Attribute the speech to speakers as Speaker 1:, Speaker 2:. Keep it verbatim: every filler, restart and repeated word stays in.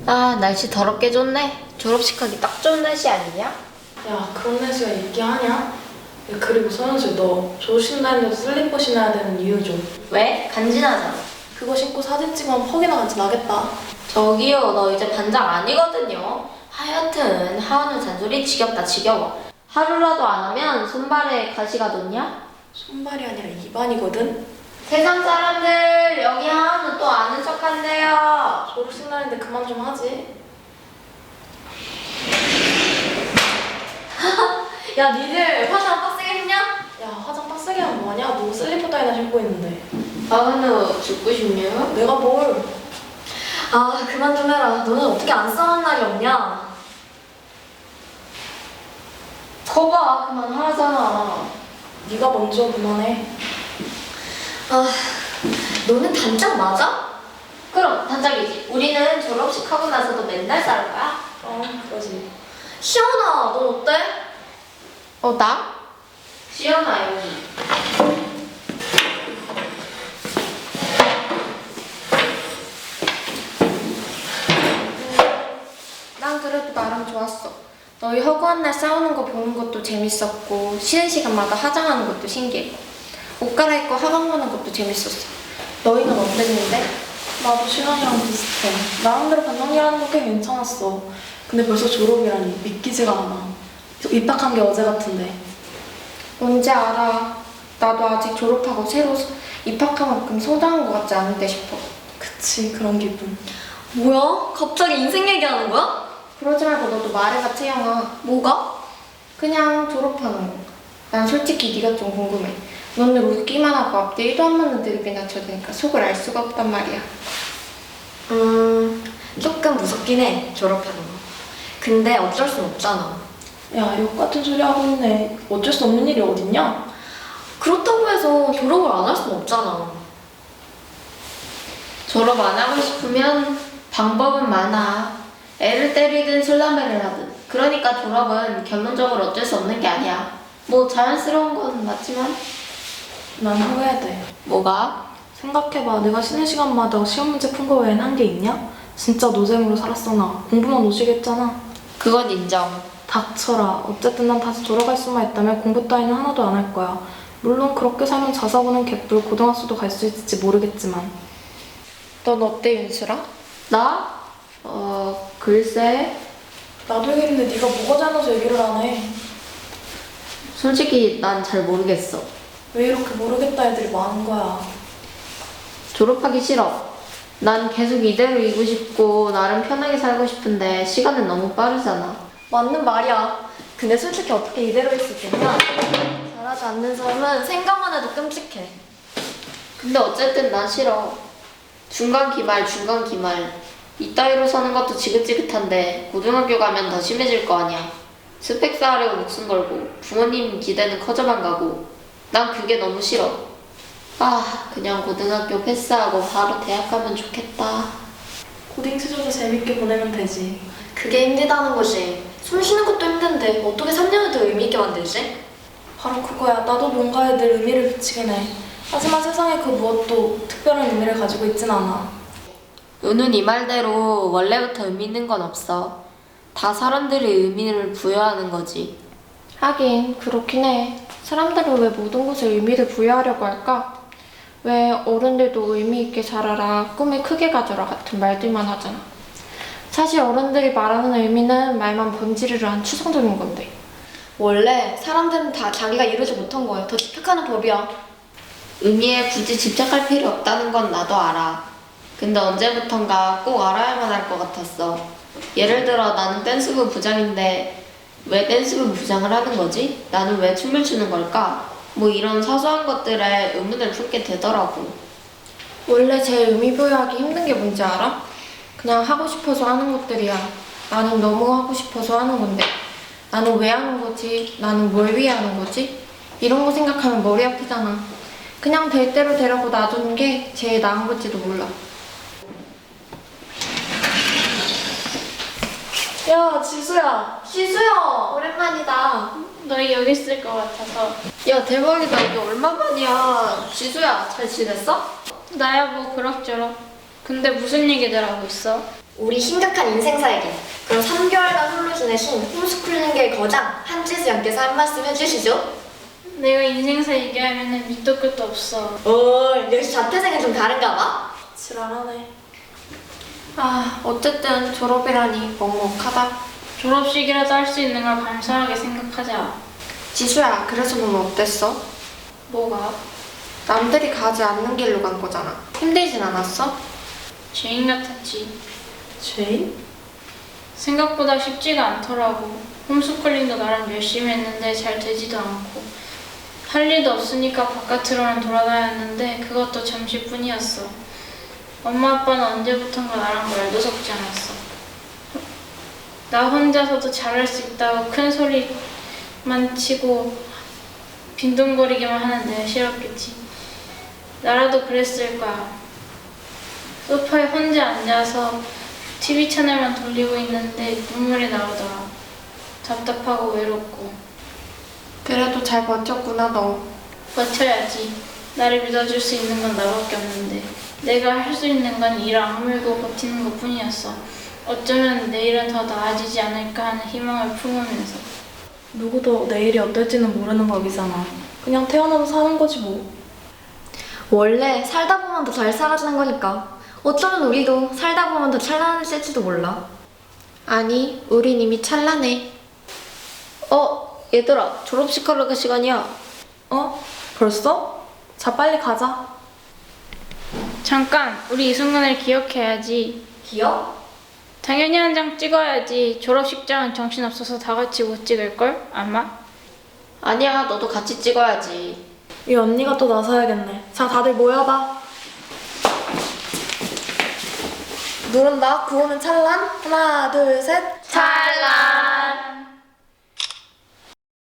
Speaker 1: 아, 날씨 더럽게 좋네. 졸업식 하기 딱 좋은 날씨 아니냐?
Speaker 2: 야, 그런 날씨가 있게 하냐? 야, 그리고 서현수, 너 졸업식 날인데도 슬리퍼 신어야 되는 이유 좀.
Speaker 1: 왜? 간지나잖아.
Speaker 2: 그거 신고 사진 찍으면 퍽이나 같이 나겠다.
Speaker 1: 저기요, 너 이제 반장 아니거든요. 하여튼 하은우 잔소리 지겹다 지겨워. 하루라도 안 하면 손발에 가시가 돋냐?
Speaker 2: 손발이 아니라 입안이거든?
Speaker 1: 세상 사람들, 여기 하은우 또 아는 척한대요.
Speaker 2: 졸업식 날인데 그만 좀 하지.
Speaker 1: 야, 니들 화장 빡세게 했냐?
Speaker 2: 야, 화장 빡세게 하면 뭐하냐? 너 슬리퍼 따위나 신고 있는데.
Speaker 1: 하은우 죽고 싶냐?
Speaker 2: 내가 뭘.
Speaker 1: 아, 그만 좀 해라. 너는 어떻게 안 싸운 날이 없냐? 거봐, 그만하잖아.
Speaker 2: 네가 먼저 그만해.
Speaker 1: 아, 너는 단짝 맞아? 그럼 단짝이지. 우리는 졸업식 하고 나서도 맨날 싸울 거야?
Speaker 2: 어, 그러지.
Speaker 1: 시연아, 넌 어때? 어, 나? 시연아, 여기.
Speaker 3: 난 그래도 나름 좋았어. 너희 허구한 날 싸우는 거 보는 것도 재밌었고 쉬는 시간마다 화장하는 것도 신기했고 옷 갈아입고 학원 가는 것도 재밌었어. 너희는 어땠는데?
Speaker 2: 나도 신원이랑 비슷해. 나름대로 반영이라는 거 꽤 괜찮았어. 근데 벌써 졸업이라니 믿기지가 않아. 입학한 게 어제 같은데.
Speaker 3: 뭔지 알아. 나도 아직 졸업하고 새로 입학한 만큼 성장한 것 같지 않은데 싶어.
Speaker 2: 그치, 그런 기분.
Speaker 1: 뭐야? 갑자기 인생 얘기하는 거야?
Speaker 3: 그러지 말고 너도 말해봐, 채영아.
Speaker 1: 뭐가?
Speaker 3: 그냥 졸업하는 거. 난 솔직히 네가 좀 궁금해. 너는 웃기만 하고 앞뒤 일도 안 맞는 드립이나 쳐대니까 속을 알 수가 없단 말이야.
Speaker 1: 음, 조금 무섭긴 해, 졸업하는 거. 근데 어쩔 순 없잖아.
Speaker 2: 야, 욕 같은 소리 하고 있네. 어쩔 수 없는 일이 어딨냐?
Speaker 1: 그렇다고 해서 졸업을 안 할 순 없잖아. 졸업 안 하고 싶으면 방법은 많아. 애를 때리든 술담배를 하든. 그러니까 졸업은 결론적으로 어쩔 수 없는 게 아니야. 뭐 자연스러운 건 맞지만.
Speaker 2: 난 후회돼.
Speaker 1: 뭐가?
Speaker 2: 생각해봐. 내가 쉬는 시간마다 시험 문제 푼 거 외엔 한 게 있냐? 진짜 노잼으로 살았어 나. 공부만 오지게 했잖아.
Speaker 1: 그건 인정.
Speaker 2: 닥쳐라. 어쨌든 난 다시 돌아갈 수만 있다면 공부 따위는 하나도 안 할 거야. 물론 그렇게 살면 자사고는 개뿔 고등학교도 갈 수 있을지 모르겠지만.
Speaker 3: 넌 어때, 윤수라?
Speaker 1: 나? 어, 글쎄.
Speaker 2: 나도 얘기했는데 네가 뭐가 잘나서 얘기를 안 해.
Speaker 1: 솔직히 난 잘 모르겠어.
Speaker 2: 왜 이렇게 모르겠다 애들이 많은 거야.
Speaker 1: 졸업하기 싫어. 난 계속 이대로이고 싶고 나름 편하게 살고 싶은데 시간은 너무 빠르잖아.
Speaker 4: 맞는 말이야. 근데 솔직히 어떻게 이대로 있을 수 있냐? 잘하지 않는 사람은 생각만 해도 끔찍해.
Speaker 1: 근데 어쨌든 난 싫어. 중간 기말, 중간 기말. 이따위로 사는 것도 지긋지긋한데 고등학교 가면 더 심해질 거 아니야. 스펙 쌓으려고 목숨 걸고 부모님 기대는 커져만 가고 난 그게 너무 싫어. 아, 그냥 고등학교 패스하고 바로 대학 가면 좋겠다.
Speaker 2: 고딩 시절도 재밌게 보내면 되지.
Speaker 4: 그게 힘들다는 거지. 숨 쉬는 것도 힘든데 어떻게 삼 년을 더 의미 있게 만들지?
Speaker 2: 바로 그거야. 나도 뭔가에 늘 의미를 붙이긴 해. 하지만 세상에 그 무엇도 특별한 의미를 가지고 있진 않아.
Speaker 1: 은은 이 말대로 원래부터 의미 있는 건 없어. 다 사람들이 의미를 부여하는 거지.
Speaker 3: 하긴 그렇긴 해. 사람들은 왜 모든 것에 의미를 부여하려고 할까? 왜 어른들도 의미 있게 자라라, 꿈을 크게 가져라 같은 말들만 하잖아. 사실 어른들이 말하는 의미는 말만 번지르르한 추상적인 건데.
Speaker 4: 원래 사람들은 다 자기가 이루지 못한 거에 더 집착하는 법이야.
Speaker 1: 의미에 굳이 집착할 필요 없다는 건 나도 알아. 근데 언제부턴가 꼭 알아야만 할 것 같았어. 예를 들어 나는 댄스부 부장인데 왜 댄스부 부장을 하는 거지? 나는 왜 춤을 추는 걸까? 뭐 이런 사소한 것들에 의문을 품게 되더라고.
Speaker 3: 원래 제일 의미 부여하기 힘든 게 뭔지 알아? 그냥 하고 싶어서 하는 것들이야. 나는 너무 하고 싶어서 하는 건데. 나는 왜 하는 거지? 나는 뭘 위해 하는 거지? 이런 거 생각하면 머리 아프잖아. 그냥 될 대로 되라고 놔두는 게 제일 나은 걸지도 몰라.
Speaker 2: 야, 지수야.
Speaker 4: 시수야, 오랜만이다.
Speaker 3: 너희 여기 있을 것 같아서.
Speaker 1: 야, 대박이다. 이게 얼마만이야. 지수야, 잘 지냈어?
Speaker 3: 나야 뭐 그럭저럭. 근데 무슨 얘기들 하고 있어?
Speaker 4: 우리 심각한 인생사에게 그럼 삼 개월간 홀로 지내신 홈스쿨링계의 거장 한지수 양께서 한 말씀 해주시죠.
Speaker 5: 내가 인생사 얘기하면은 밑도 끝도 없어.
Speaker 4: 오, 역시 자퇴생은 좀 다른가 봐.
Speaker 2: 지랄하네.
Speaker 3: 아, 어쨌든 졸업이라니 먹먹하다.
Speaker 5: 졸업식이라도 할 수 있는 걸 감사하게 생각하자.
Speaker 3: 지수야, 그래서 넌 어땠어?
Speaker 5: 뭐가?
Speaker 3: 남들이 가지 않는 길로 간 거잖아. 힘들진 않았어?
Speaker 5: 죄인 같았지.
Speaker 2: 죄인?
Speaker 5: 생각보다 쉽지가 않더라고. 홈스쿨링도 나름 열심히 했는데 잘 되지도 않고. 할 일도 없으니까 바깥으로는 돌아다녔는데 그것도 잠시뿐이었어. 엄마 아빠는 언제부턴가 나랑 말도 섞지 않았어. 나 혼자서도 잘할 수 있다고 큰 소리만 치고 빈둥거리기만 하는 내가 싫었겠지. 나라도 그랬을 거야. 소파에 혼자 앉아서 티비 채널만 돌리고 있는데 눈물이 나오더라. 답답하고 외롭고.
Speaker 3: 그래도 잘 버텼구나, 너.
Speaker 5: 버텨야지. 나를 믿어줄 수 있는 건 나밖에 없는데 내가 할 수 있는 건 이를 악물고 버티는 것 뿐이었어. 어쩌면 내일은 더 나아지지 않을까 하는 희망을 품으면서.
Speaker 2: 누구도 내일이 어떨지는 모르는 법이잖아. 그냥 태어나서 사는 거지 뭐.
Speaker 4: 원래 살다 보면 더 잘 살아지는 거니까. 어쩌면 우리도 살다 보면 더 찬란해질지도 몰라.
Speaker 3: 아니, 우린 이미 찬란해.
Speaker 1: 어, 얘들아, 졸업식 하러 갈 시간이야.
Speaker 2: 어? 벌써? 자, 빨리 가자.
Speaker 5: 잠깐, 우리 이 순간을 기억해야지.
Speaker 4: 기억?
Speaker 5: 당연히 한 장 찍어야지. 졸업식장은 정신없어서 다 같이 못 찍을걸? 아마?
Speaker 1: 아니야, 너도 같이 찍어야지.
Speaker 2: 이 언니가 또 나서야겠네. 자, 다들 모여봐. 누른다. 구호는 찬란. 하나, 둘, 셋.
Speaker 4: 잘